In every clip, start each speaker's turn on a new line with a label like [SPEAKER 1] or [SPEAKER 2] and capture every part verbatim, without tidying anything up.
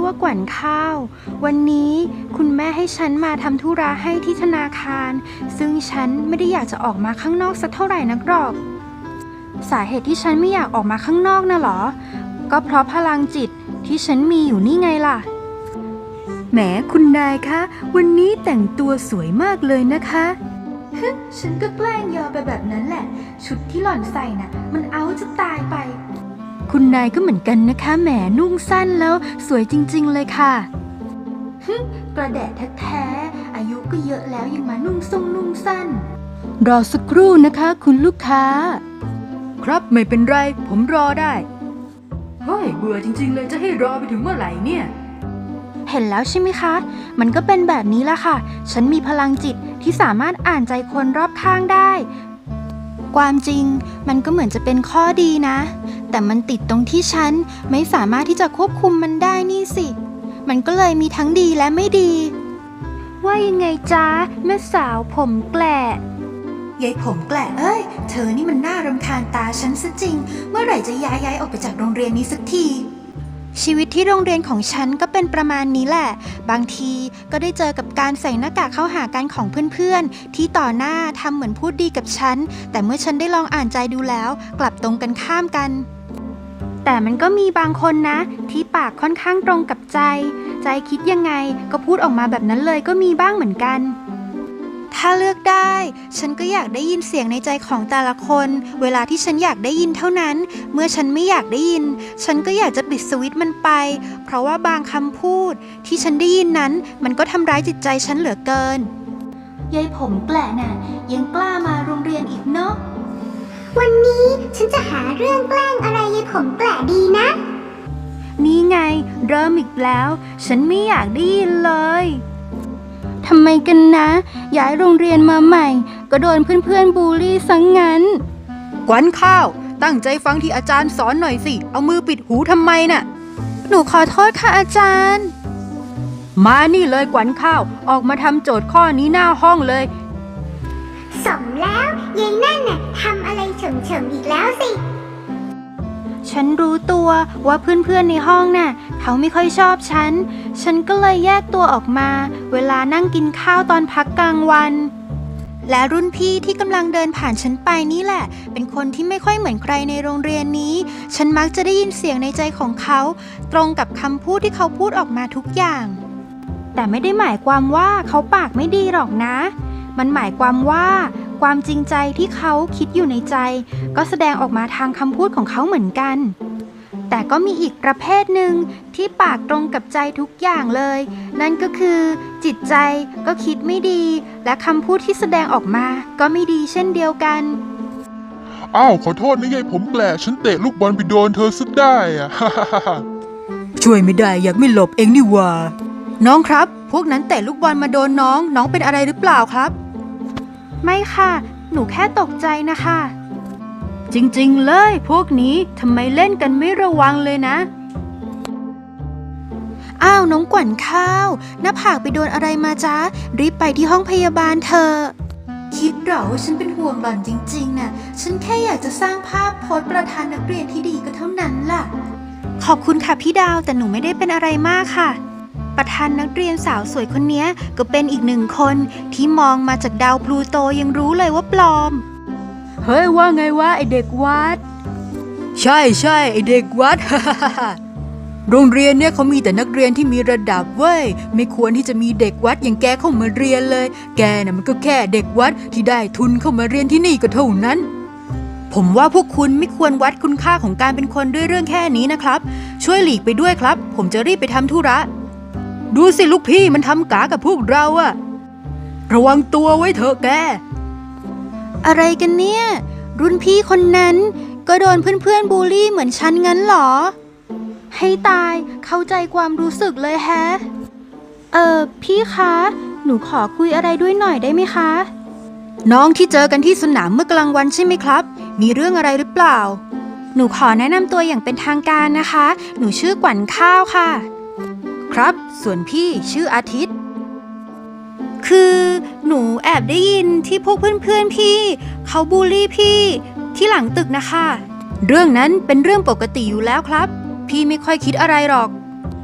[SPEAKER 1] ว่ากวันข้าววันนี้คุณแม่ให้ฉันมาทำธุระให้ที่ธนาคารซึ่งฉันไม่ได้อยากจะออกมาข้างนอกสักเท่าไหร่นักหรอกสาเหตุที่ฉันไม่อยากออกมาข้างนอกน่ะหรอก็เพราะพลังจิตที่ฉันมีอยู่นี่ไงล่ะแหมคุณนายคะวันนี้แต่งตัวสวยมากเลยนะคะฮึฉันก็แกล้งยอมไปแบบนั้นแหละชุดที่หล่อนใส่น่ะมันเอาจะตายไปคุณนายก็เหมือนกันนะคะแหมนุ่งสั้นแล้วสวยจริงๆเลยค่ะฮึกระแดะแท้ๆอายุก็เยอะแล้วยังมานุ่งทรงนุ่งสั้นรอสักครู่นะคะคุณลูกค้าครับไม่เป็นไรผมรอได้เฮ้ยเบื่อจริงๆเลยจะให้รอไปถึงเมื่อไหร่เนี่ยเห็นแล้วใช่ไหมคะมันก็เป็นแบบนี้ละค่ะฉันมีพลังจิตที่สามารถอ่านใจคนรอบข้างได้ความจริงมันก็เหมือนจะเป็นข้อดีนะแต่มันติดตรงที่ฉันไม่สามารถที่จะควบคุมมันได้นี่สิมันก็เลยมีทั้งดีและไม่ดีว่ายังไงจ๊ะแม่สาวผมแกละยายผมแกละเอ้ยเธอนี่มันน่ารำคาญตาฉันซะจริงเมื่อไหร่จะย้ายย้ายออกไปจากโรงเรียนนี้สักทีชีวิตที่โรงเรียนของฉันก็เป็นประมาณนี้แหละบางทีก็ได้เจอกับการใส่หน้ากากเข้าหากันของเพื่อนๆที่ต่อหน้าทำเหมือนพูดดีกับฉันแต่เมื่อฉันได้ลองอ่านใจดูแล้วกลับตรงกันข้ามกันแต่มันก็มีบางคนนะที่ปากค่อนข้างตรงกับใจใจคิดยังไงก็พูดออกมาแบบนั้นเลยก็มีบ้างเหมือนกันถ้าเลือกได้ฉันก็อยากได้ยินเสียงในใจของแต่ละคนเวลาที่ฉันอยากได้ยินเท่านั้นเมื่อฉันไม่อยากได้ยินฉันก็อยากจะปิดสวิตช์มันไปเพราะว่าบางคำพูดที่ฉันได้ยินนั้นมันก็ทำร้ายจิตใจฉันเหลือเกินยายผมแกละน่ะยังกล้ามาโรงเรียนอีกเนาะ
[SPEAKER 2] วันนี้ฉันจะหาเรื่องแกล้งอะไรยายผมแกละดีนะ
[SPEAKER 1] นี่ไงเริ่มอีกแล้วฉันไม่อยากได้ยินเลยทำไมกันนะย้ายโรงเรียนมาใหม่ก็โดนเพื่อนๆบูลลี่ซะ ง, งั้นกวนข้าวตั้งใจฟังที่อาจารย์สอนหน่อยสิเอามือปิดหูทำไมน่ะหนูขอโทษค่ะอาจารย์มานี่เลยกวนข้าวออกมาทำโจทย์ข้อนี้หน้าห้องเลย
[SPEAKER 2] สมแล้วยายนั่นน่ะทำอะไรเฉิมๆอีกแล้วสิ
[SPEAKER 1] ฉันรู้ตัวว่าเพื่อนๆในห้องน่ะเขาไม่ค่อยชอบฉันฉันก็เลยแยกตัวออกมาเวลานั่งกินข้าวตอนพักกลางวันและรุ่นพี่ที่กำลังเดินผ่านฉันไปนี่แหละเป็นคนที่ไม่ค่อยเหมือนใครในโรงเรียนนี้ฉันมักจะได้ยินเสียงในใจของเขาตรงกับคำพูดที่เขาพูดออกมาทุกอย่างแต่ไม่ได้หมายความว่าเขาปากไม่ดีหรอกนะมันหมายความว่าความจริงใจที่เขาคิดอยู่ในใจก็แสดงออกมาทางคำพูดของเขาเหมือนกันแต่ก็มีอีกประเภทหนึ่งที่ปากตรงกับใจทุกอย่างเลยนั่นก็คือจิตใจก็คิดไม่ดีและคำพูดที่แสดงออกมาก็ไม่ดีเช่นเดียวกัน
[SPEAKER 3] อ้าวขอโทษนะยายผมแกละฉันเตะลูกบอลไปโดนเธอซะได้อะ
[SPEAKER 1] ช่วยไม่ได้อยากไม่หลบเองนี่ว่าน้องครับพวกนั้นเตะลูกบอลมาโดนน้องน้องเป็นอะไรหรือเปล่าครับไม่ค่ะหนูแค่ตกใจนะคะจริงๆเลยพวกนี้ทำไมเล่นกันไม่ระวังเลยนะอ้าวน้องกวั่นข้าวหน้าผากไปโดนอะไรมาจ๊ะรีบไปที่ห้องพยาบาลเธอคิดหรอว่าฉันเป็นห่วงหล่อนจริงๆน่ะฉันแค่อยากจะสร้างภาพโพสต์ประธานนักเรียนที่ดีก็เท่านั้นล่ะขอบคุณค่ะพี่ดาวแต่หนูไม่ได้เป็นอะไรมากค่ะประธานนักเรียนสาวสวยคนนี้ก็เป็นอีกหนึ่งคนที่มองมาจากดาวพลูโตยังรู้เลยว่าปลอมเฮ้ยว่าไงวะไอเด็กวัดใช่ใช่ไอเด็กวัด โรงเรียนเนี่ยเขามีแต่นักเรียนที่มีระดับเว้ยไม่ควรที่จะมีเด็กวัดอย่างแกเข้ามาเรียนเลยแกน่ะมันก็แค่เด็กวัดที่ได้ทุนเข้ามาเรียนที่นี่ก็เท่านั้นผมว่าพวกคุณไม่ควรวัดคุณค่าของการเป็นคนด้วยเรื่องแค่นี้นะครับช่วยหลีกไปด้วยครับผมจะรีบไปทำธุระดูสิลูกพี่มันทำกากับพวกเราอะระวังตัวไว้เถอะแกอะไรกันเนี่ยรุ่นพี่คนนั้นก็โดนเพื่อนๆบูลลี่เหมือนฉันงั้นเหรอให้ตายเข้าใจความรู้สึกเลยแฮะเออพี่คะหนูขอคุยอะไรด้วยหน่อยได้ไหมคะน้องที่เจอกันที่สนามเมื่อกลางวันใช่ไหมครับมีเรื่องอะไรหรือเปล่าหนูขอแนะนำตัวอย่างเป็นทางการนะคะหนูชื่อกวั่นข้าวค่ะครับส่วนพี่ชื่ออาทิตย์คือหนูแอบได้ยินที่พวกเพื่อนๆพี่เขาบูลลี่พี่ที่หลังตึกนะคะเรื่องนั้นเป็นเรื่องปกติอยู่แล้วครับพี่ไม่ค่อยคิดอะไรหรอก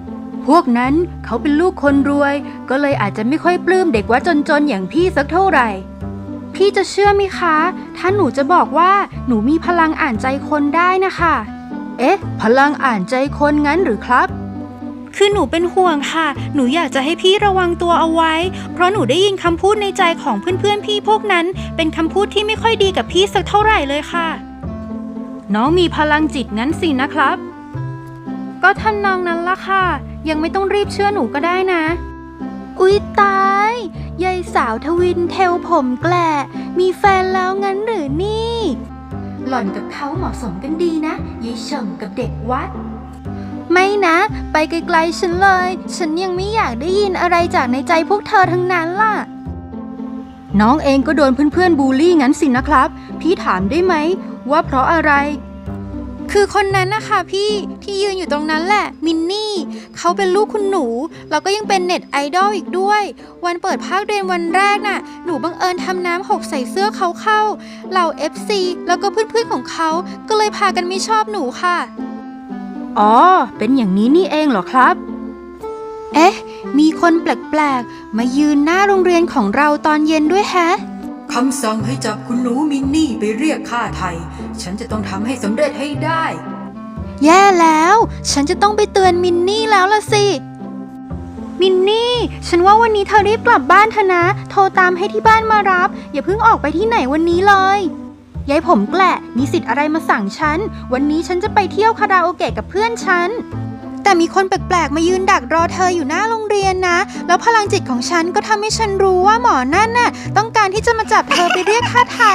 [SPEAKER 1] พวกนั้นเขาเป็นลูกคนรวยก็เลยอาจจะไม่ค่อยปลื้มเด็กวัดจนๆอย่างพี่สักเท่าไหร่พี่จะเชื่อไหมคะ ถ้าหนูจะบอกว่าหนูมีพลังอ่านใจคนได้นะคะเอ๊ะพลังอ่านใจคนงั้นหรือครับคือหนูเป็นห่วงค่ะหนูอยากจะให้พี่ระวังตัวเอาไว้เพราะหนูได้ยินคำพูดในใจของเพื่อนๆพี่พวกนั้นเป็นคำพูดที่ไม่ค่อยดีกับพี่สักเท่าไหร่เลยค่ะน้องมีพลังจิตงั้นสินะครับก็ท่านนองนั้นละค่ะยังไม่ต้องรีบเชื่อหนูก็ได้นะอุ๊ยตายยายสาวทวินเทลผมแกละมีแฟนแล้วงั้นหรือนี่หล่อนกับเขาเหมาะสมกันดีนะยายเฉิงกับเด็กวัดไม่นะไปไกลๆฉันเลยฉันยังไม่อยากได้ยินอะไรจากในใจพวกเธอทั้งนั้นล่ะน้องเองก็โดนเพื่อนๆบูลลี่งั้นสินะครับพี่ถามได้ไหมว่าเพราะอะไรคือคนนั้นนะคะพี่ที่ยืนอยู่ตรงนั้นแหละมินนี่เขาเป็นลูกคุณหนูแล้วก็ยังเป็นเน็ตไอดอลอีกด้วยวันเปิดภาคเรียนวันแรกน่ะหนูบังเอิญทำน้ำหกใส่เสื้อเขาเข้าเหล่า เอฟ ซี แล้วก็เพื่อนๆของเขาก็เลยพากันไม่ชอบหนูค่ะอ๋อเป็นอย่างนี้นี่เองเหรอครับเอ๊ะมีคนแปลกๆมายืนหน้าโรงเรียนของเราตอนเย็นด้วยแฮะคำสั่งให้จับคุณหนูมินนี่ไปเรียกค่าไถ่ฉันจะต้องทำให้สำเร็จให้ได้แย่แล้วฉันจะต้องไปเตือนมินนี่แล้วล่ะสิมินนี่ฉันว่าวันนี้เธอรีบกลับบ้านเถอะนะโทรตามให้ที่บ้านมารับอย่าเพิ่งออกไปที่ไหนวันนี้เลยยายผมแกละมีสิทธิ์อะไรมาสั่งฉันวันนี้ฉันจะไปเที่ยวคาราโอเกะกับเพื่อนฉันแต่มีคนแปลกๆมายืนดักรอเธออยู่หน้าโรงเรียนนะแล้วพลังจิตของฉันก็ทำให้ฉันรู้ว่าหมอนั่นน่ะต้องการที่จะมาจับเธอไปเรียกค่าไถ่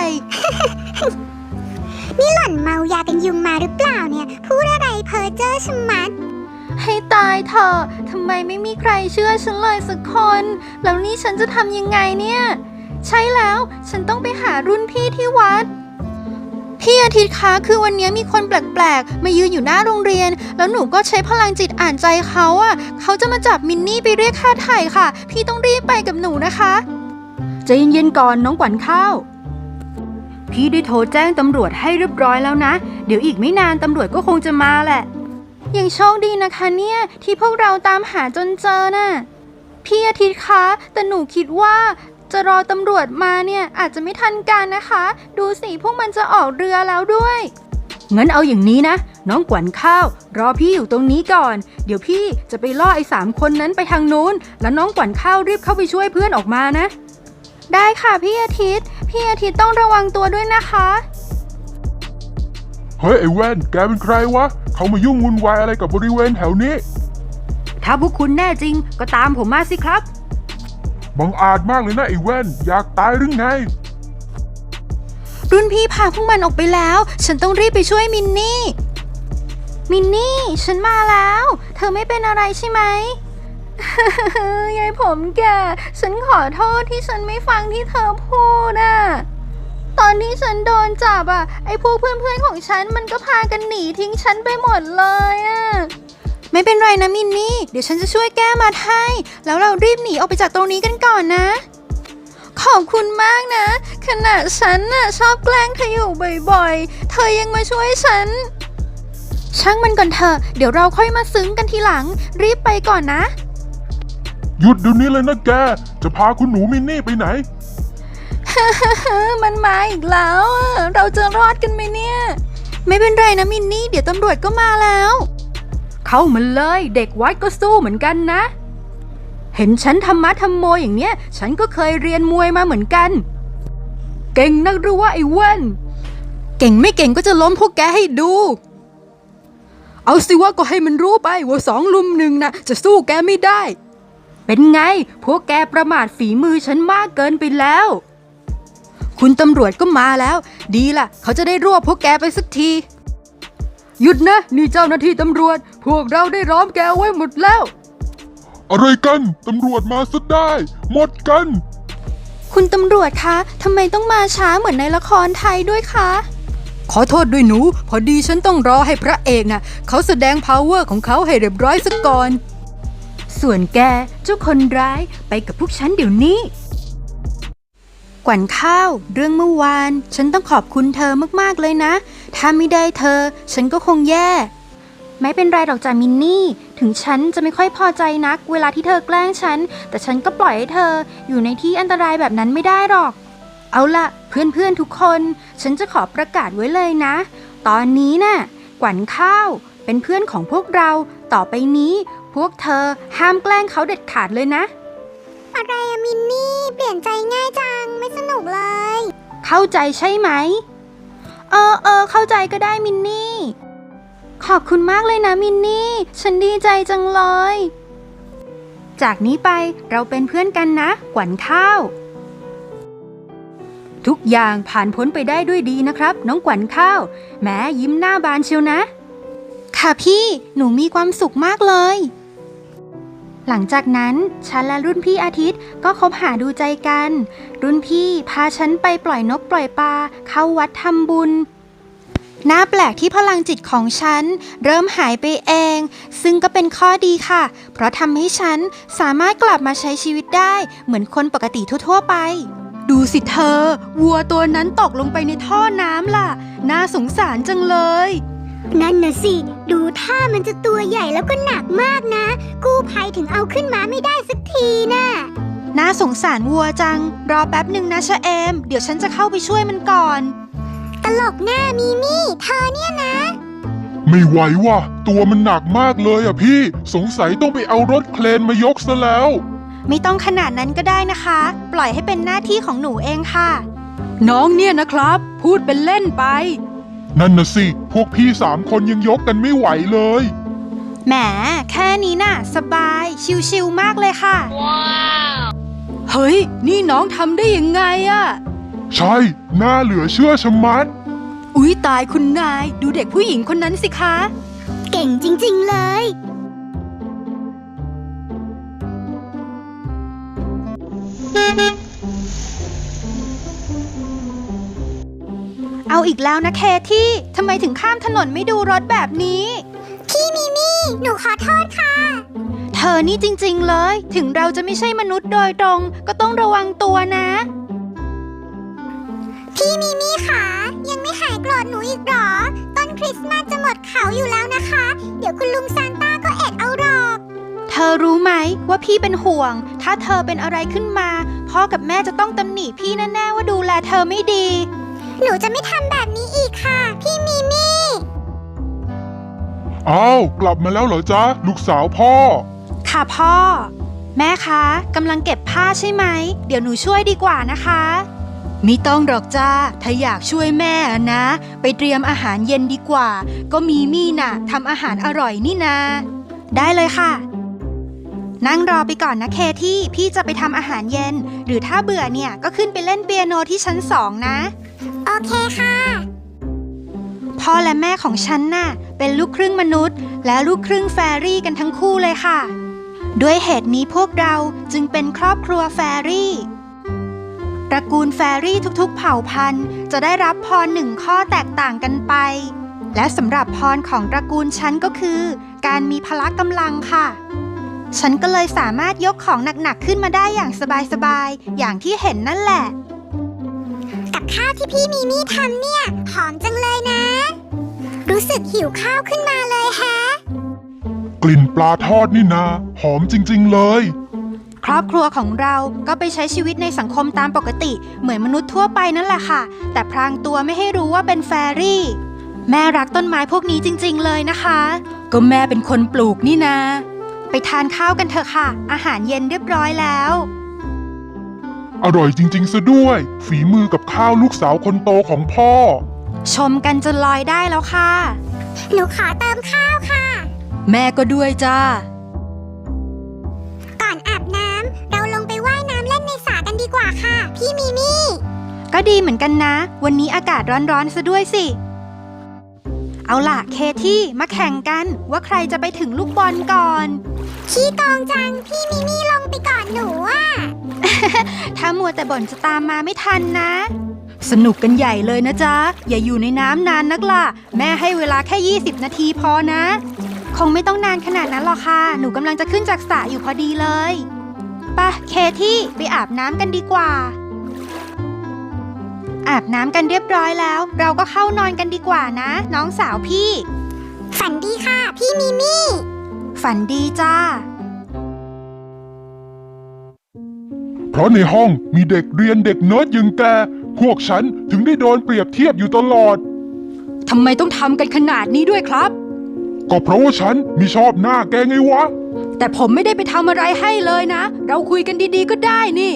[SPEAKER 2] นี่หล่อนเมายากันยุงมาหรือเปล่าเนี่ยพูดอะไรเพ้อเจ้อชะมัด
[SPEAKER 1] ให้ตายเถอะทำไมไม่มีใครเชื่อฉันเลยสักคนแล้วนี่ฉันจะทำยังไงเนี่ยใช่แล้วฉันต้องไปหารุ่นพี่ที่วัดพี่อาทิตย์คะคือวันนี้มีคนแปลกๆมายืนอยู่หน้าโรงเรียนแล้วหนูก็ใช้พลังจิตอ่านใจเขาอ่ะเขาจะมาจับมินนี่ไปเรียกค่าไถ่ค่ะพี่ต้องรีบไปกับหนูนะคะใจเย็นๆก่อนน้องขวัญข้าวพี่ได้โทรแจ้งตำรวจให้เรียบร้อยแล้วนะเดี๋ยวอีกไม่นานตำรวจก็คงจะมาแหละยังโชคดีนะคะเนี่ยที่พวกเราตามหาจนเจอน่ะพี่อาทิตย์คะแต่หนูคิดว่าจะรอตำรวจมาเนี่ยอาจจะไม่ทันการนะคะดูสิพวกมันจะออกเรือแล้วด้วยงั้นเอาอย่างนี้นะน้องขวัญข้าวรอพี่อยู่ตรงนี้ก่อนเดี๋ยวพี่จะไปล่อไอ้สามคนนั้นไปทางนู้นแล้วน้องขวัญข้าวรีบเข้าไปช่วยเพื่อนออกมานะได้ค่ะพี่อาทิตย์พี่อาทิตย์ต้องระวังตัวด้วยนะคะ
[SPEAKER 3] เฮ้ยไอ้แว่นแกเป็นใครวะเขามายุ่งวุ่นวายอะไรกับบริเวณแถวนี้
[SPEAKER 1] ถ้าพวกคุณแน่จริงก็ตามผมมาสิครับ
[SPEAKER 3] บังอาจมากเลยนะไอ้แว่นอยากตายหรือไง
[SPEAKER 1] รุ่นพี่พาพวกมันออกไปแล้วฉันต้องรีบไปช่วยมินนี่มินนี่ฉันมาแล้วเธอไม่เป็นอะไรใช่ไหม ยายผมแกฉันขอโทษที่ฉันไม่ฟังที่เธอพูดอ่ะตอนที่ฉันโดนจับอ่ะไอ้พวกเพื่อนๆของฉันมันก็พากันหนีทิ้งฉันไปหมดเลยอ่ะไม่เป็นไรนะมินนี่เดี๋ยวฉันจะช่วยแก้มาให้แล้วเรารีบหนีออกไปจากตรงนี้กันก่อนนะขอบคุณมากนะขณะฉันน่ะชอบแกล้งเธออยู่บ่อยๆเธอยังมาช่วยฉันช่างมันก่อนเถอะเดี๋ยวเราค่อยมาซึ้งกันทีหลังรีบไปก่อนนะ
[SPEAKER 3] หยุดเดี๋ยวนี้เลยนะแกจะพาคุณหนูมินนี่ไปไหน
[SPEAKER 1] มันมาอีกแล้วเราจะรอดกันไหมเนี่ยไม่เป็นไรนะมินนี่เดี๋ยวตำรวจก็มาแล้วเข้ามาเลยเด็กวัดก็สู้เหมือนกันนะเห็นฉันทำมัดทำโมอย่างเนี้ยฉันก็เคยเรียนมวยมาเหมือนกันเก่งนักหรือว่าไอ้เว้นเก่งไม่เก่งก็จะล้มพวกแกให้ดูเอาสิว่าก็ให้มันรู้ไปว่าสองลุมหนึ่งนะจะสู้แกไม่ได้เป็นไงพวกแกประมาทฝีมือฉันมากเกินไปแล้วคุณตำรวจก็มาแล้วดีล่ะเขาจะได้รวบพวกแกไปสักทีหยุดนะนี่เจ้าหน้าที่ตำรวจพวกเราได้ล้อมแกไว้หมดแล้ว
[SPEAKER 3] อะไรกันตำรวจมาซะได้หมดกัน
[SPEAKER 1] คุณตำรวจคะทำไมต้องมาช้าเหมือนในละครไทยด้วยคะขอโทษด้วยหนูพอดีฉันต้องรอให้พระเอกน่ะเขาแสดง power ของเขาให้เรียบร้อยซะก่อนส่วนแกเจ้าคนร้ายไปกับพวกฉันเดี๋ยวนี้กวันข้าวเรื่องเมื่อวานฉันต้องขอบคุณเธอมากๆเลยนะถ้าไม่ได้เธอฉันก็คงแย่ไม่เป็นไรหรอกจ้ะมินนี่ถึงฉันจะไม่ค่อยพอใจนักเวลาที่เธอแกล้งฉันแต่ฉันก็ปล่อยให้เธออยู่ในที่อันตรายแบบนั้นไม่ได้หรอกเอาล่ะเพื่อนๆทุกคนฉันจะขอประกาศไว้เลยนะตอนนี้น่ะกวั๋นข้าวเป็นเพื่อนของพวกเราต่อไปนี้พวกเธอห้ามแกล้งเขาเด็ดขาดเลยนะ
[SPEAKER 2] อะไรอะมินนี่เปลี่ยนใจง่ายจังไม่สนุกเลย
[SPEAKER 1] เข้าใจใช่ไหมเออเออเข้าใจก็ได้มินนี่ขอบคุณมากเลยนะมินนี่ฉันดีใจจังเลยจากนี้ไปเราเป็นเพื่อนกันนะกวั๋นข้าวทุกอย่างผ่านพ้นไปได้ด้วยดีนะครับน้องกวั๋นข้าวแม้ยิ้มหน้าบานเชียวนะค่ะพี่หนูมีความสุขมากเลยหลังจากนั้นฉันและรุ่นพี่อาทิตย์ก็คบหาดูใจกันรุ่นพี่พาฉันไปปล่อยนกปล่อยปลาเข้าวัดทำบุญน่าแปลกที่พลังจิตของฉันเริ่มหายไปเองซึ่งก็เป็นข้อดีค่ะเพราะทำให้ฉันสามารถกลับมาใช้ชีวิตได้เหมือนคนปกติทั่วๆไปดูสิเธอวัวตัวนั้นตกลงไปในท่อน้ำล่ะน่าสงสารจังเลย
[SPEAKER 2] นั่นน่ะสิดูท่ามันจะตัวใหญ่แล้วก็หนักมากนะกู้ภัยถึงเอาขึ้นมาไม่ได้สักทีน่ะ
[SPEAKER 1] น่าสงสารวัวจังรอแป๊บหนึ่งนะชะเอมเดี๋ยวฉันจะเข้าไปช่วยมันก่อน
[SPEAKER 2] ตลกหน้ามีมี่เธอเนี่ยนะ
[SPEAKER 3] ไม่ไหวว่ะตัวมันหนักมากเลยอ่ะพี่สงสัยต้องไปเอารถเครนมายกซะแล้ว
[SPEAKER 1] ไม่ต้องขนาดนั้นก็ได้นะคะปล่อยให้เป็นหน้าที่ของหนูเองค่ะน้องเนี่ยนะครับพูดเป็นเล่นไป
[SPEAKER 3] นั่นน่ะสิพวกพี่สามคนยังยกกันไม่ไหวเลย
[SPEAKER 1] แหมแค่นี้น่ะสบายชิวๆมากเลยค่ะว้าวเฮ้ยนี่น้องทำได้ยังไงอะ
[SPEAKER 3] ใช่น่าเหลือเชื่อชะมัด
[SPEAKER 1] อุ๊ยตายคุณนายดูเด็กผู้หญิงคนนั้นสิคะ
[SPEAKER 2] เก่งจริงๆเลย
[SPEAKER 1] เอาอีกแล้วนะเคที่ทำไมถึงข้ามถนนไม่ดูรถแบบนี้
[SPEAKER 2] พี่มิมี่หนูขอโทษค่ะ
[SPEAKER 1] เธอนี่จริงๆเลยถึงเราจะไม่ใช่มนุษย์โดยตรงก็ต้องระวังตัวนะ
[SPEAKER 2] พี่มิมี่ค่ะยังไม่หายโกรธหนูอีกหรอต้นคริสต์มาสจะหมดเขาอยู่แล้วนะคะเดี๋ยวคุณลุงซานต้าก็เอ็ดเอาหรอก
[SPEAKER 1] เธอรู้ไหมว่าพี่เป็นห่วงถ้าเธอเป็นอะไรขึ้นมาพ่อกับแม่จะต้องตำหนิพี่แน่ๆว่าดูแลเธอไม่ดี
[SPEAKER 2] หนูจะไม่ทำแบบนี้อีกค่ะพี่มิมี่
[SPEAKER 3] อ้าวกลับมาแล้วเหรอจ๊ะลูกสาวพ่อ
[SPEAKER 1] ค่ะพ่อแม่คะกำลังเก็บผ้าใช่ไหมเดี๋ยวหนูช่วยดีกว่านะคะไม่ต้องหรอกจ้าถ้าอยากช่วยแม่นะไปเตรียมอาหารเย็นดีกว่าก็มีมี่น่ะทำอาหารอร่อยนี่นาได้เลยค่ะนั่งรอไปก่อนนะเคที่พี่จะไปทำอาหารเย็นหรือถ้าเบื่อเนี่ยก็ขึ้นไปเล่นเปียโนที่ชั้นสองนะ
[SPEAKER 2] โอเคค่ะ
[SPEAKER 1] พ่อและแม่ของฉันน่ะเป็นลูกครึ่งมนุษย์และลูกครึ่งแฟรี่กันทั้งคู่เลยค่ะด้วยเหตุนี้พวกเราจึงเป็นครอบครัวแฟรี่ตระกูลแฟรี่ทุกๆเผ่าพันธุ์จะได้รับพรหนึ่งข้อแตกต่างกันไปและสำหรับพรของตระกูลฉันก็คือการมีพละกำลังค่ะฉันก็เลยสามารถยกของหนักๆขึ้นมาได้อย่างสบายๆอย่างที่เห็นนั่นแหละ
[SPEAKER 2] กับข้าวที่พี่มิมี่ทำเนี่ยหอมจังเลยนะรู้สึกหิวข้าวขึ้นมาเลยแฮะ
[SPEAKER 3] กลิ่นปลาทอดนี่นาหอมจริงๆเลย
[SPEAKER 1] ครอบครัวของเราก็ไปใช้ชีวิตในสังคมตามปกติเหมือนมนุษย์ทั่วไปนั่นแหละค่ะแต่พรางตัวไม่ให้รู้ว่าเป็นแฟรี่แม่รักต้นไม้พวกนี้จริงๆเลยนะคะก็แม่เป็นคนปลูกนี่นาไปทานข้าวกันเถอะค่ะอาหารเย็นเรียบร้อยแล้ว
[SPEAKER 3] อร่อยจริงๆซะด้วยฝีมือกับข้าวลูกสาวคนโตของพ่อ
[SPEAKER 1] ชมกันจนลอยได้แล้วค่ะ
[SPEAKER 2] หนูขอเติมข้าวค่ะ
[SPEAKER 1] แม่ก็ด้วยจ้า
[SPEAKER 2] ก่อนอาบน้ำเราลงไปว่ายน้ำเล่นในสระกันดีกว่าค่ะพี่มิมี่
[SPEAKER 1] ก็ดีเหมือนกันนะวันนี้อากาศร้อนๆซะด้วยสิเอาล่ะเคที่มาแข่งกันว่าใครจะไปถึงลูกบอลก่อน
[SPEAKER 2] ขี้โกงจังพี่มิมี่ลงไปก่อนหนูอ่ะ
[SPEAKER 1] ถ้ามัวแต่บ่นจะตามมาไม่ทันนะสนุกกันใหญ่เลยนะจ๊ะอย่าอยู่ในน้ำนานนักล่ะแม่ให้เวลาแค่ยี่สิบนาทีพอนะคงไม่ต้องนานขนาดนั้นหรอกค่ะหนูกำลังจะขึ้นจากสระอยู่พอดีเลยไปเคที่ไปอาบน้ำกันดีกว่าอาบน้ำกันเรียบร้อยแล้วเราก็เข้านอนกันดีกว่านะน้องสาวพี่
[SPEAKER 2] ฝันดีค่ะพี่มิมี่
[SPEAKER 1] ฝันดีจ้า
[SPEAKER 3] เพราะในห้องมีเด็กเรียนเด็กเนิร์ดอย่างแก พวกฉันถึงได้โดนเปรียบเทียบอยู่ตลอด
[SPEAKER 1] ทำไมต้องทำกันขนาดนี้ด้วยครับ
[SPEAKER 3] ก็เพราะว่าฉันไม่ชอบหน้าแกไงวะ
[SPEAKER 1] แต่ผมไม่ได้ไปทำอะไรให้เลยนะ เราคุยกันดีๆก็ได้นี่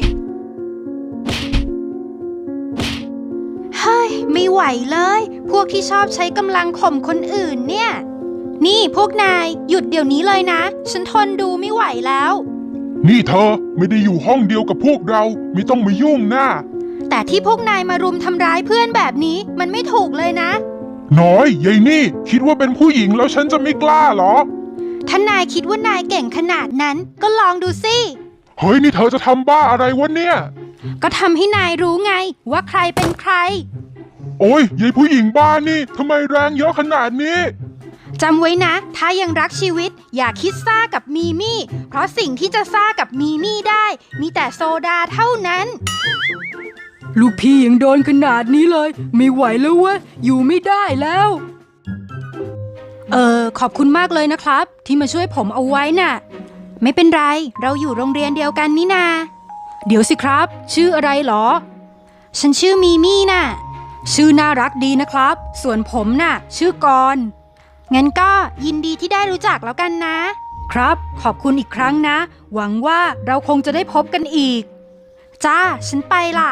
[SPEAKER 1] เฮ้ย ไม่ไหวเลย พวกที่ชอบใช้กำลังข่มคนอื่นเนี่ย นี่พวกนายหยุดเดี๋ยวนี้เลยนะ ฉันทนดูไม่ไหวแล้ว
[SPEAKER 3] นี่เธอไม่ได้อยู่ห้องเดียวกับพวกเรา ไม่ต้องมายุ่งหน้า
[SPEAKER 1] แต่ที่พวกนายมารุมทำร้ายเพื่อนแบบนี้มันไม่ถูกเลยนะ
[SPEAKER 3] น้อยยายนี่คิดว่าเป็นผู้หญิงแล้วฉันจะไม่กล้าเหรอ
[SPEAKER 1] ถ้านายคิดว่านายเก่งขนาดนั้นก็ลองดูสิ
[SPEAKER 3] เฮ้ยนี่เธอจะทำบ้าอะไรวะเนี่ย
[SPEAKER 1] ก็ทำให้นายรู้ไงว่าใครเป็นใคร
[SPEAKER 3] โอ้ยยายผู้หญิงบ้านี่ทำไมแรงเยอะขนาดนี้
[SPEAKER 1] จำไว้นะ ถ้ายังรักชีวิตอย่าคิดซ่ากับมีมี่ เพราะสิ่งที่จะซ่ากับมีมี่ได้ มีแต่โซดาเท่านั้น ลูกพี่ยังโดนขนาดนี้เลย ไม่ไหวแล้วเว้ยอยู่ไม่ได้แล้ว เออขอบคุณมากเลยนะครับ ที่มาช่วยผมเอาไว้น่ะ ไม่เป็นไรเราอยู่โรงเรียนเดียวกันนี่นา เดี๋ยวสิครับ ชื่ออะไรหรอ ฉันชื่อมีมี่น่ะ ชื่อน่ารักดีนะครับ ส่วนผมน่ะ ชื่อกรณ์งั้นก็ยินดีที่ได้รู้จักแล้วกันนะ ครับขอบคุณอีกครั้งนะ หวังว่าเราคงจะได้พบกันอีก จ้าฉันไปล่ะ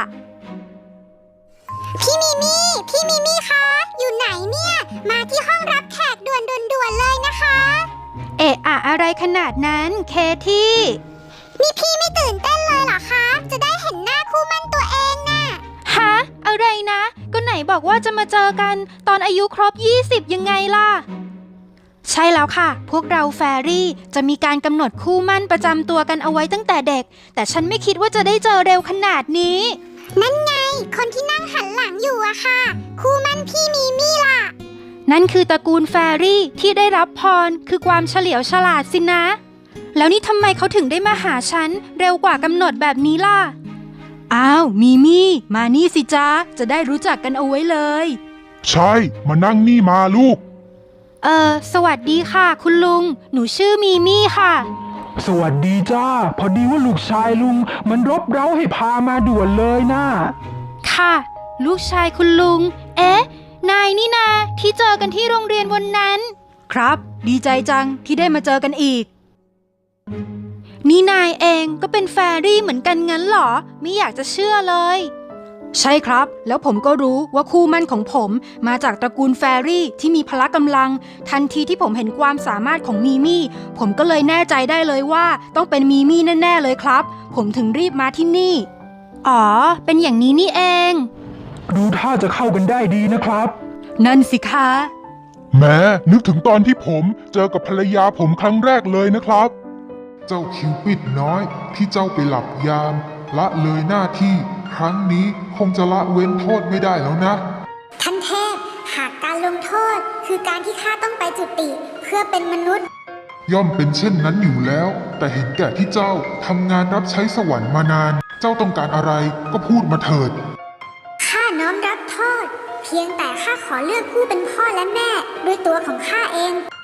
[SPEAKER 2] พี่มิมี่ พี่มิมี่คะ อยู่ไหนเนี่ย มาที่ห้องรับแขกด่วนด่วนๆเลยนะคะ
[SPEAKER 1] เอะอะอะไรขนาดนั้นเคที่
[SPEAKER 2] นี่พี่ไม่ตื่นเต้นเลยเหรอคะ จะได้เห็นหน้าคู่มั่นตัวเองน่ะ
[SPEAKER 1] ฮะอะไรนะ ก็ไหนบอกว่าจะมาเจอกันตอนอายุครบยี่สิบยังไงล่ะ ใช่แล้วค่ะ พวกเราแฟรี่จะมีการกำหนดคู่มั่นประจำตัวกันเอาไว้ตั้งแต่เด็ก แต่ฉันไม่คิดว่าจะได้เจอเร็วขนาดนี้
[SPEAKER 2] นั่นไง คนที่นั่งหันหลังอยู่อะค่ะ คู่มั่นพี่มิมี่ล่ะ
[SPEAKER 1] นั่นคือตระกูลแฟรี่ที่ได้รับพรคือความเฉลียวฉลาดสินะ แล้วนี่ทำไมเขาถึงได้มาหาฉันเร็วกว่ากำหนดแบบนี้ล่ะ อ้าวมีมี่มานี่สิจ้าจะได้รู้จักกันเอาไว้เลย
[SPEAKER 3] ใช่ มานั่งนี่มาลูก
[SPEAKER 1] เออสวัสดีค่ะ คุณลุง หนูชื่อมีมี่ค่ะ
[SPEAKER 4] สวัสดีจ้า พอดีว่าลูกชายลุงมันรบเร้าให้พามาด่วนเลยนะ
[SPEAKER 1] ค่ะ ลูกชายคุณลุง เอ๊ะ นายนี่นาที่เจอกันที่โรงเรียนวันนั้น ครับ ดีใจจังที่ได้มาเจอกันอีก นี่นายเองก็เป็นแฟรี่เหมือนกันงั้นเหรอ ไม่อยากจะเชื่อเลย ใช่ครับ แล้วผมก็รู้ว่าคู่มั่นของผมมาจากตระกูลแฟรี่ที่มีพละกำลัง ทันทีที่ผมเห็นความสามารถของมีมี่ผมก็เลยแน่ใจได้เลยว่าต้องเป็นมีมี่แน่ๆเลยครับ ผมถึงรีบมาที่นี่ อ๋อ เป็นอย่างนี้นี่เอง
[SPEAKER 4] ดูท่าจะเข้ากันได้ดีนะครับ
[SPEAKER 1] นั่นสิคะ
[SPEAKER 3] แหม้นึกถึงตอนที่ผมเจอกับภรรยาผมครั้งแรกเลยนะครับ เจ้าคิวปิดน้อยที่เจ้าไปหลับยาม ละเลยหน้าที่ ครั้งนี้คงจะละเว้นโทษไม่ได้แล้วนะ
[SPEAKER 2] ท่านเทพ หากการลงโทษคือการที่ข้าต้องไปจุติ เพื่อเป็นมนุษย์
[SPEAKER 3] ย่อมเป็นเช่นนั้นอยู่แล้ว แต่เห็นแก่ที่เจ้าทำงานรับใช้สวรรค์มานาน เจ้าต้องการอะไรก็พูดมาเถิด
[SPEAKER 2] ข้าน้อมรับโทษ เพียงแต่ข้าขอเลือกผู้เป็นพ่อและแม่ด้วยตัวของข้าเอง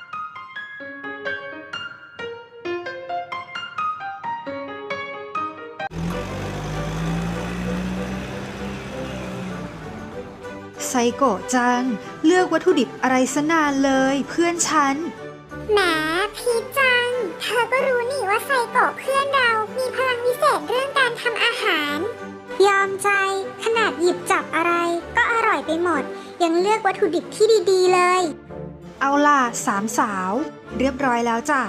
[SPEAKER 1] ไซโกะจัง เลือกวัตถุดิบอะไรซะนานเลยเพื่อนฉัน
[SPEAKER 2] แหมพีชจัง เธอก็รู้นี่ว่าไซโกะเพื่อนเรามีพลังวิเศษเรื่องการทำอาหาร ยอมใจขนาดหยิบจับอะไรก็อร่อยไปหมด ยังเลือกวัตถุดิบที่ดีๆเลย
[SPEAKER 1] เอาล่ะสามสาว เรียบร้อยแล้วจ้ะ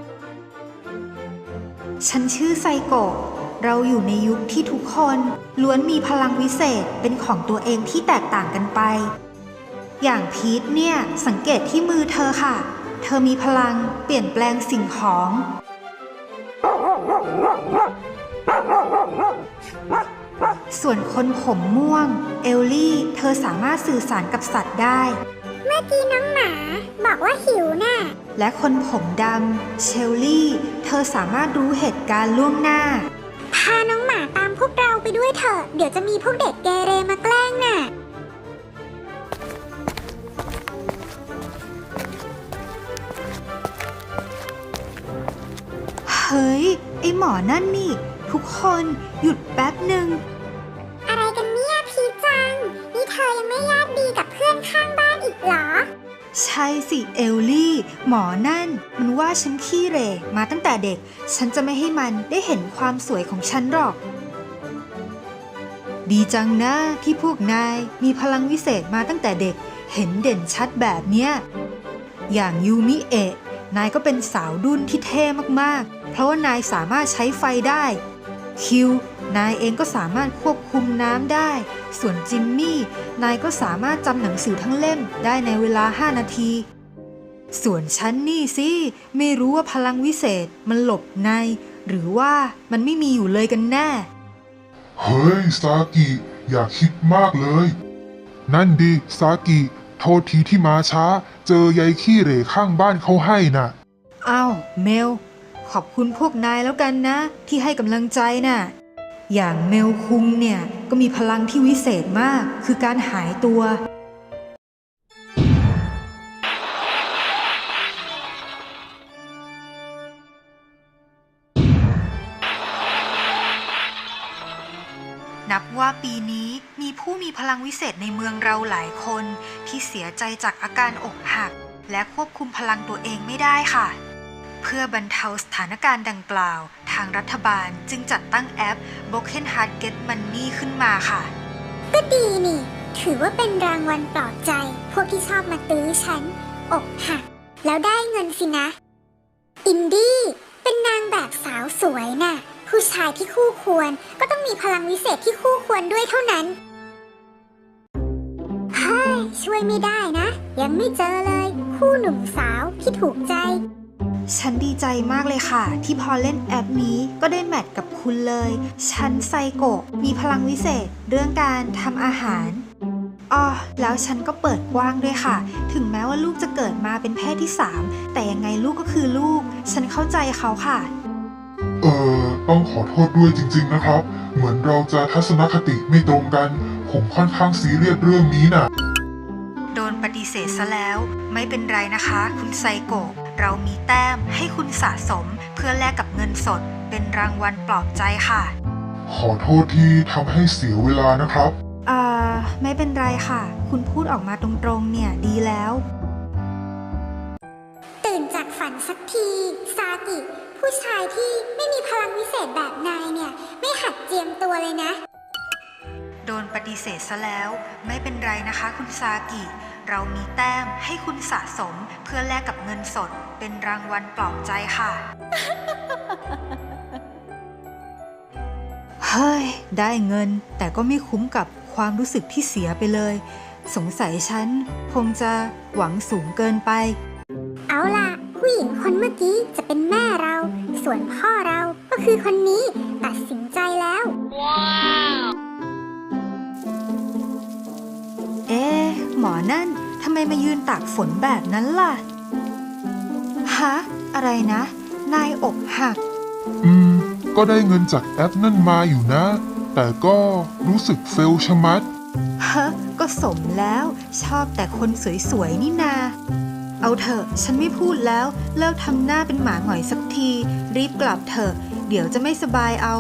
[SPEAKER 1] ฉันชื่อไซโกะ เราอยู่ในยุคที่ทุกคนล้วนมีพลังวิเศษเป็นของตัวเองที่แตกต่างกันไป อย่างพีทเนี่ยสังเกตที่มือเธอค่ะ เธอมีพลังเปลี่ยนแปลงสิ่งของ ส่วนคนผมม่วง เอลลี่ เธอสามารถสื่อสารกับสัตว์ได้
[SPEAKER 2] เมื่อกี้น้องหมาบอกว่าหิวน่ะ
[SPEAKER 1] และคนผมดำ เชลลี่ เธอสามารถรู้เหตุการณ์ล่วงหน้า
[SPEAKER 2] พาน้องหมาตามพวกเราไปด้วยเถอะ เดี๋ยวจะมีพวกเด็กเกเรมาแกล้งน่ะ
[SPEAKER 1] พหมอนั่นนี่ ทุกคนหยุดแป๊บหนึ่ง
[SPEAKER 2] อะไรกันเนี่ยพีจัง นี่เธอยังไม่ญาติดีกับเพื่อนข้างบ้านอีกเหรอ
[SPEAKER 1] ใช่สิเอลลี่ หมอนั่นมันว่าฉันขี้เหร่มาตั้งแต่เด็ก ฉันจะไม่ให้มันได้เห็นความสวยของฉันหรอก ดีจังนะที่พวกนายมีพลังวิเศษมาตั้งแต่เด็ก เห็นเด่นชัดแบบเนี้ยอย่างยูมิเอะนายก็เป็นสาวดุ้นที่เท่มากๆเพราะว่านายสามารถใช้ไฟได้คิวนายเองก็สามารถควบคุมน้ำได้ส่วนจิมมี่นายก็สามารถจำหนังสือทั้งเล่มได้ในเวลาห้านาทีส่วนฉันนี่สิไม่รู้ว่าพลังวิเศษมันหลบในหรือว่ามันไม่มีอยู่เลยกันแน่
[SPEAKER 3] เฮ้ยซากิอย่าคิดมากเลย นั่นดิซากิโทษทีที่มาช้า เจอยายขี้เหร่ข้างบ้านเขาให้น่ะ
[SPEAKER 1] อ้าวเมลขอบคุณพวกนายแล้วกันนะ ที่ให้กำลังใจน่ะอย่างเมลคุงเนี่ยก็มีพลังที่วิเศษมากคือการหายตัว นับว่าปีนี้มีผู้มีพลังวิเศษในเมืองเราหลายคนที่เสียใจจากอาการอกหักและควบคุมพลังตัวเองไม่ได้ค่ะเพื่อบรรเทาสถานการณ์ดังกล่าวทางรัฐบาลจึงจัดตั้งแอป Broken Heart Get Money ขึ้นมาค่ะ
[SPEAKER 2] ก็ดีนี่ ถือว่าเป็นรางวัลปลอบใจ พวกที่ชอบมาตื้อฉัน อกหัก แล้วได้เงินสินะ อินดี้เป็นนางแบบสาวสวยน่ะ ผู้ชายที่คู่ควรก็ต้องมีพลังวิเศษที่คู่ควรด้วยเท่านั้น เฮ้ย ช่วยไม่ได้นะ ยังไม่เจอเลย คู่หนุ่มสาวที่ถูกใจ
[SPEAKER 1] ฉันดีใจมากเลยค่ะ ที่พอเล่นแอปนี้ก็ได้แมทกับคุณเลย ฉันไซโกะมีพลังวิเศษเรื่องการทำอาหารอ้อแล้วฉันก็เปิดกว้างด้วยค่ะ ถึงแม้ว่าลูกจะเกิดมาเป็นเพศที่สามแต่ยังไงลูกก็คือลูก ฉันเข้าใจเขาค่ะ
[SPEAKER 3] เออต้องขอโทษด้วยจริงๆนะครับ เหมือนเราจะทัศนคติไม่ตรงกัน ผมค่อนข้างซีเรียสเรื่องนี้น่ะ
[SPEAKER 1] โดนปฏิเสธซะแล้วไม่เป็นไรนะคะ คุณไซโกะเรามีแต้มให้คุณสะสมเพื่อแลกกับเงินสดเป็นรางวัลปลอบใจค่ะ
[SPEAKER 3] ขอโทษที่ทำให้เสียเวลานะครับ
[SPEAKER 1] อ่าไม่เป็นไรค่ะ คุณพูดออกมาตรงๆเนี่ยดีแล้ว
[SPEAKER 2] ตื่นจากฝันสักทีซากิผู้ชายที่ไม่มีพลังวิเศษแบบนายเนี่ย ไม่หัดเจียมตัวเลยนะ
[SPEAKER 1] โดนปฏิเสธซะแล้วไม่เป็นไรนะคะคุณซากิเรามีแต้มให้คุณสะสมเพื่อแลกกับเงินสดเป็นรางวัลปลอบใจค่ะ เฮ้ยได้เงินแต่ก็ไม่คุ้มกับความรู้สึกที่เสียไปเลยสงสัยฉันคงจะหวังสูงเกินไป
[SPEAKER 2] เอาล่ะ ผู้หญิงคนเมื่อกี้จะเป็นแม่เรา ส่วนพ่อเราก็คือคนนี้ตัดสินใจแล้ว
[SPEAKER 1] เอ๊ะหมอนั่นทำไมมายืนตากฝนแบบนั้นล่ะฮะอะไรนะนายอกหัก
[SPEAKER 3] อืม ก็ได้เงินจากแอปนั่นมาอยู่นะ แต่ก็รู้สึกเฟลชะมัด
[SPEAKER 1] ฮะก็สมแล้วชอบแต่คนสวยๆนี่นาเอาเถอะฉันไม่พูดแล้วเลิกทำหน้าเป็นหมาหงอยสักทีรีบกลับเถอะเดี๋ยวจะไม่สบายเอา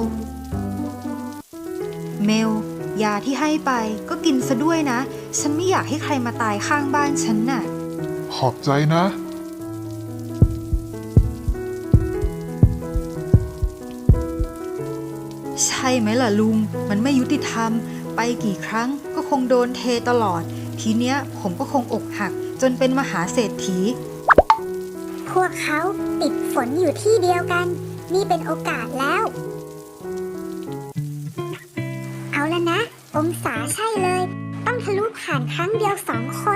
[SPEAKER 1] เมลยาที่ให้ไปก็กินซะด้วยนะฉันไม่อยากให้ใครมาตายข้างบ้านฉันน่ะ
[SPEAKER 3] ขอบใจนะ
[SPEAKER 1] ใช่ไหมล่ะลุงมันไม่ยุติธรรมไปกี่ครั้งก็คงโดนเทตลอดทีเนี้ยผมก็คงอกหักจนเป็นมหาเศรษฐี
[SPEAKER 2] พวกเขาติดฝนอยู่ที่เดียวกัน นี่เป็นโอกาสแล้ว เอาละนะ องศาใช่เลย ต้องทะลุผ่านครั้งเดียวสองคน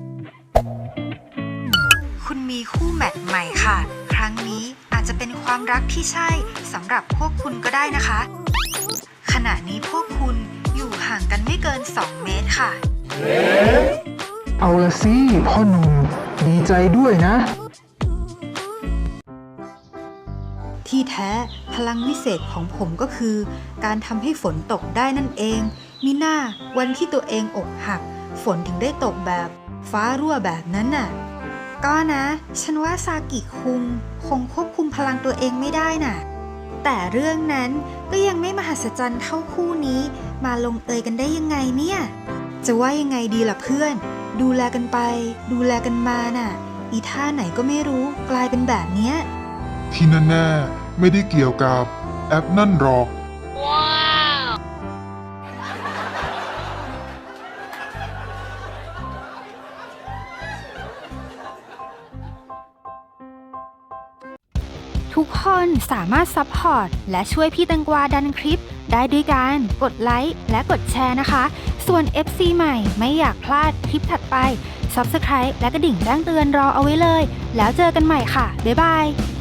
[SPEAKER 1] คุณมีคู่แมทใหม่ค่ะ ครั้งนี้อาจจะเป็นความรักที่ใช่สำหรับพวกคุณก็ได้นะคะ ขณะนี้พวกคุณอยู่ห่างกันไม่เกินสองเมตรค่ะ
[SPEAKER 4] เอาละสิพ่อหนุ่มดีใจด้วยนะ
[SPEAKER 1] ที่แท้พลังวิเศษของผมก็คือ การทำให้ฝนตกได้นั่นเองมิน่าวันที่ตัวเองอกหักฝนถึงได้ตกแบบฟ้ารั่วแบบนั้นน่ะก็นะฉันว่าซากิคุงคงควบคุมพลังตัวเองไม่ได้น่ะแต่เรื่องนั้นก็ยังไม่มหัศจรรย์เท่าคู่นี้มาลงเอยกันได้ยังไงเนี่ย จะว่ายังไงดีล่ะเพื่อน ดูแลกันไป ดูแลกันมาน่ะ อีท่าไหนก็ไม่รู้กลายเป็นแบบเนี้ย
[SPEAKER 3] ที่แน่ๆไม่ได้เกี่ยวกับแอปนั่นหรอก
[SPEAKER 1] ทุกคนสามารถซัพพอร์ตและช่วยพี่แตงกวาดันคลิปได้ด้วยการกดไลค์และกดแชร์นะคะ ส่วน เอฟ ซี ใหม่ไม่อยากพลาดคลิปถัดไป ซับสไครบ์ และกระดิ่งแจ้งเตือนรอเอาไว้เลย แล้วเจอกันใหม่ค่ะ บ๊ายบาย